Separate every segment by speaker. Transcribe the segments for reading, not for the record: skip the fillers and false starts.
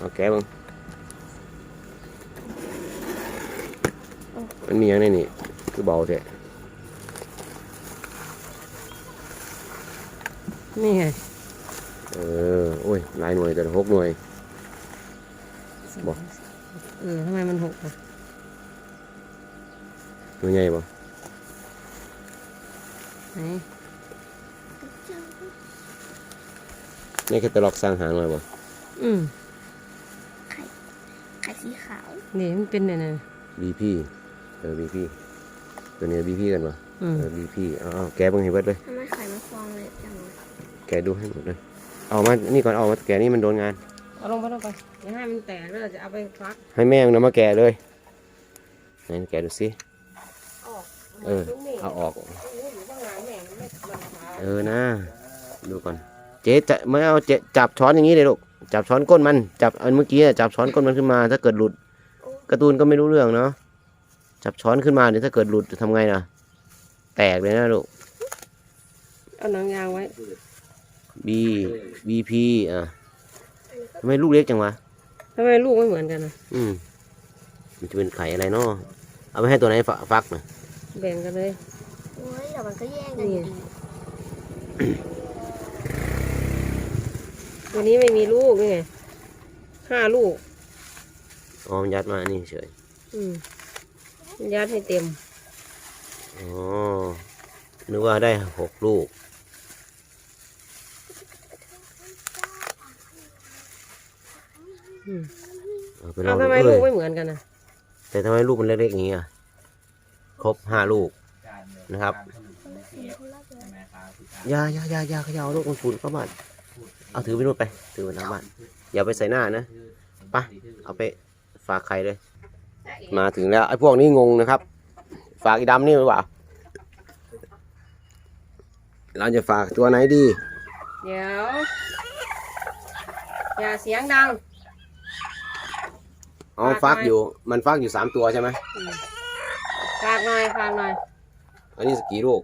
Speaker 1: เอาแกะบ้างมันมีอย่างไรนี่คือเบาแท้
Speaker 2: นี่ไง
Speaker 1: โอ้ยหลายหน่วยแต่6 หน่วยบ่
Speaker 2: ทำไมมันหกอ่ะ
Speaker 1: หน่วยใหญ่บ่
Speaker 2: ไหน
Speaker 1: นี่แค่ตะลอกสร้างหางเลยบ่
Speaker 3: ไข่สีขาว
Speaker 2: นี่มันเป็นเนี่ย
Speaker 1: BP BP ตัวนี้ BP กันป่ะBP เอาแกะเบิ่งให้เบิดเลย
Speaker 3: ทำไมไข่มันฟองเลยจังเลย
Speaker 1: แกะดูให้หมดเลยเอามานี่ก่อนเอามาแกะนี่มันโดนงาน
Speaker 2: เอาลงไปอย่าให้มันแตกแล้วเราจะเอาไปฟัก
Speaker 1: ให้แม่มันมาแกะเลยไหนแกะดูสิเอาออกนะดูก่อนเจ๊จะไม่เอาเจ๊จับช้อนอย่างนี้เลยลูกจับช้อนก้นมันจับอันเมื่อกี้จับช้อนก้นมันขึ้นมาถ้าเกิดหลุดการ์ตูนก็ไม่รู้เรื่องเนาะจับช้อนขึ้นมาเดี๋ยวถ้าเกิดหลุดจะทำไงนะแตกเลยนะลูก
Speaker 2: เอาหนังยางไว้
Speaker 1: BP ทำไมลูกเล็กจังวะ
Speaker 2: ทำไมลูกไม่เหมือนกันนะ
Speaker 1: มันจะเป็นไข่อะไรเนาะเอาไปให้ตัวไหนฟักนะ
Speaker 2: แบ่งกันเลย
Speaker 3: โอ้ยเดี๋ยวมันก็แย่งกันดี
Speaker 2: ตัวนี้ไม่มีลูกนี่ไง5 ลูก
Speaker 1: มันยัดมานี่เฉย
Speaker 2: มันยัดให้เต็ม
Speaker 1: นึกว่าได้6 ลูก
Speaker 2: ทำไมลูกไม่เหมือนกันนะ
Speaker 1: แต่ทำไมลูกมันเล็กๆอย่างนี้ครบ5 ลูกนะครับยาเขย่าลูกมันฝุ่นเข้าบ้านเอาถือไปนู่นไปถือไปทางบ้านอย่าไปใส่หน้านะไปเอาไปฝากใครเลยมาถึงแล้วไอ้พวกนี้งงนะครับฝากอีดำนี่หรือเปล่าเราจะฝากตัวไหนดี
Speaker 2: เดี๋ยวอย่าเสียงดัง
Speaker 1: ฟักอยู่มันฟักอยู่3 ตัวใช่ไหม
Speaker 2: ฝากหน่อย
Speaker 1: อันนี้กี่ลูก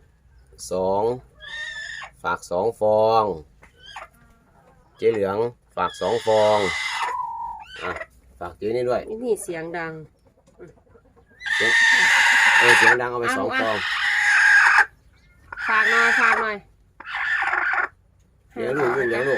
Speaker 1: 2ฝาก2 ฟองเจ๊เหลืองฝาก2 ฟองฝากเจ๊นี่ด้วย
Speaker 2: นี่เสียงดัง
Speaker 1: เสียงดังเอาไป2 ฟอง
Speaker 2: ฝากหน่อย
Speaker 1: เลี้ยงลูก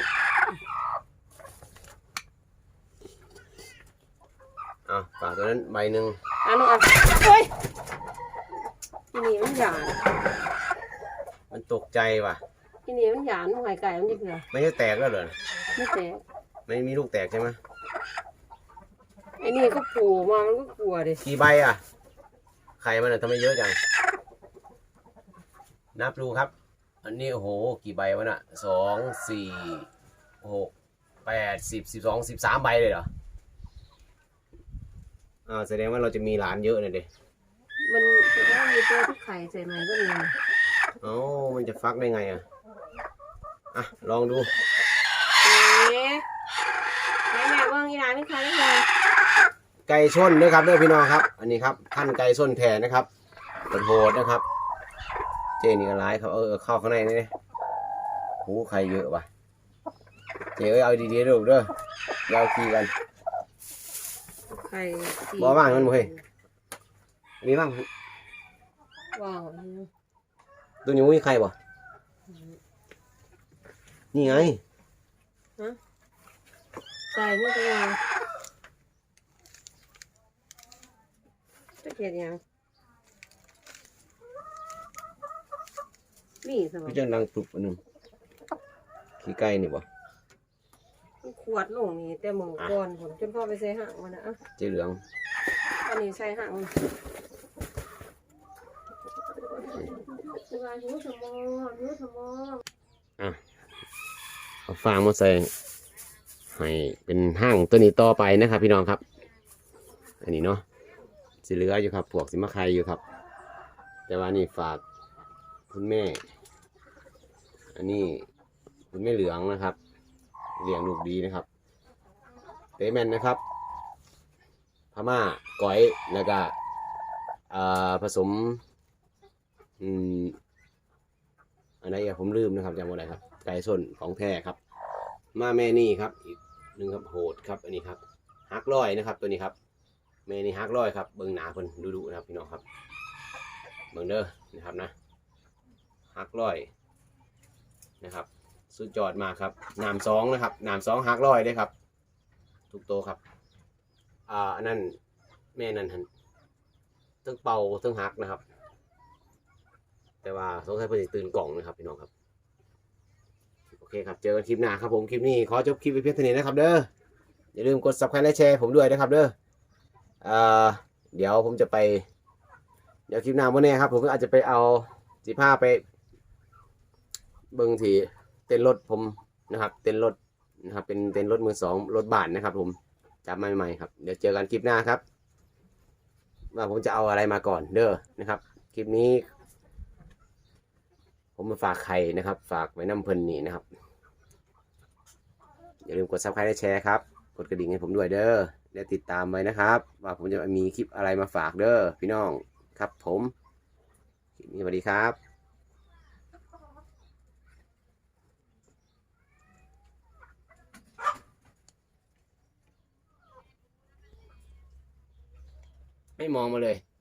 Speaker 1: ฝากตัวนั้นใบหนึ่ง
Speaker 2: ลูกเฮ้ยที่นี่มันหยาด
Speaker 1: มันตกใจว่ะ
Speaker 2: ที่นี่มันหยาดมันไข่ไก่มันจะเกลือ
Speaker 1: ไม่ใช่แตกแล้วเหรอ
Speaker 2: ไม่แตก
Speaker 1: ไม่มีลูกแตกใช่ไหม
Speaker 2: ไอ้นี่ก็ปูมามันก็กลัวดิ
Speaker 1: กี่ใบไข่มันทำไมเยอะจังนับดูครับอันนี้โอ้โหกี่ใบวะน่ะ2 4 6 8 10 12 13 ใบเลยเหรอแสดงว่าเราจะมีหลานเยอะเลยเด็
Speaker 2: มันจะได้มีตัวที่ไข่ใส่ไหมก็มี
Speaker 1: มันจะฟักได้ไงลองดู
Speaker 2: แม่เบิ้งอีหลานไม่ใครได้เลย
Speaker 1: ไก่ส้นด้วยครับพี่น้องครับอันนี้ครับท่านไก่ส้นแทนนะครับโหดนะครับเจนี่ก็ร้ายครับเข้าข้างในนี่หูไข่เยอะว่ะเจ๊เอาดีๆดูเด้อยาวขี้กันบ่ว่างมันบ่เฮ้ยมีบ้าง
Speaker 2: ว่าง
Speaker 1: ตัวนี้มีใครบ่นี่ไง
Speaker 2: ใส่ไม่เป็นไรจะเกลียดยังนี่สมมติ
Speaker 1: จะดังปลุกอันนึงขี้ไก่นี่บ่
Speaker 2: ขวดลงนี่แต่หมูก่อนผมจนพ่อไปใส่ห่างมันนะ
Speaker 1: เจ๊เหลือง
Speaker 2: อันนี้ใส่ห่าง
Speaker 1: เอาฟางมาใส่ให้เป็นห้างตัวนี้ต่อไปนะครับพี่น้องครับอันนี้เนาะสิเหลืออยู่ครับพวกสิมะไข่อยู่ครับแต่ว่านี่ฝากคุณแม่อันนี้คุณแม่เหลืองนะครับเลี้ยงลูกดีนะครับเตแมนนะครับพม่าก้อยแล้วก็ผสมอะไรผมลืมนะครับจำว่าอะไรครับไก่ส้นของแท้ครับมาแม่นี่ครับอีกหนึ่งครับโหดครับอันนี้ครับฮักร้อยนะครับตัวนี้ครับแม่นี่ฮักร้อยครับเบิ่งหนาเพิ่นดุๆนะครับพี่น้องครับเบิ่งเด้อนะครับนะฮักร้อยนะครับสุดยอดมากครับน้ำสองนะครับน้ำสองฮักร้อยได้ครับทุกโตวครับอันนั้นแม่นั่นหันทั้งเป่าทั้งฮักนะครับแต่ว่าสงสัยเพิ่นสิตื่นกล่องนะครับพี่น้องครับโอเคครับเจอกันคลิปหน้าครับผมคลิปนี้ขอจบคลิปไปเพียงเท่านี้นะครับเด้ออย่าลืมกด subscribe และแชร์ผมด้วยนะครับเด้อเดี๋ยวผมจะไปเดี๋ยวคลิปหน้าวันนี้ครับผมก็อาจจะไปเอา15ไปเบิ่งที่เต้นรถผมนะครับเต้นรถนะครับเป็นเต้นรถมือสองรถบ้านนะครับผมจับใหม่ๆครับเดี๋ยวเจอกันคลิปหน้าครับว่าผมจะเอาอะไรมาก่อนเด้อนะครับคลิปนี้ผมมาฝากไข่นะครับฝากไว้น้ำเพลินนี่นะครับอย่าลืมกด subscribe และแชร์ครับกดกระดิ่งให้ผมด้วยเด้อและติดตามไว้นะครับว่าผมจะมีคลิปอะไรมาฝากเด้อพี่น้องครับผมคลิปนี้สวัสดีครับไม่มองมาเลย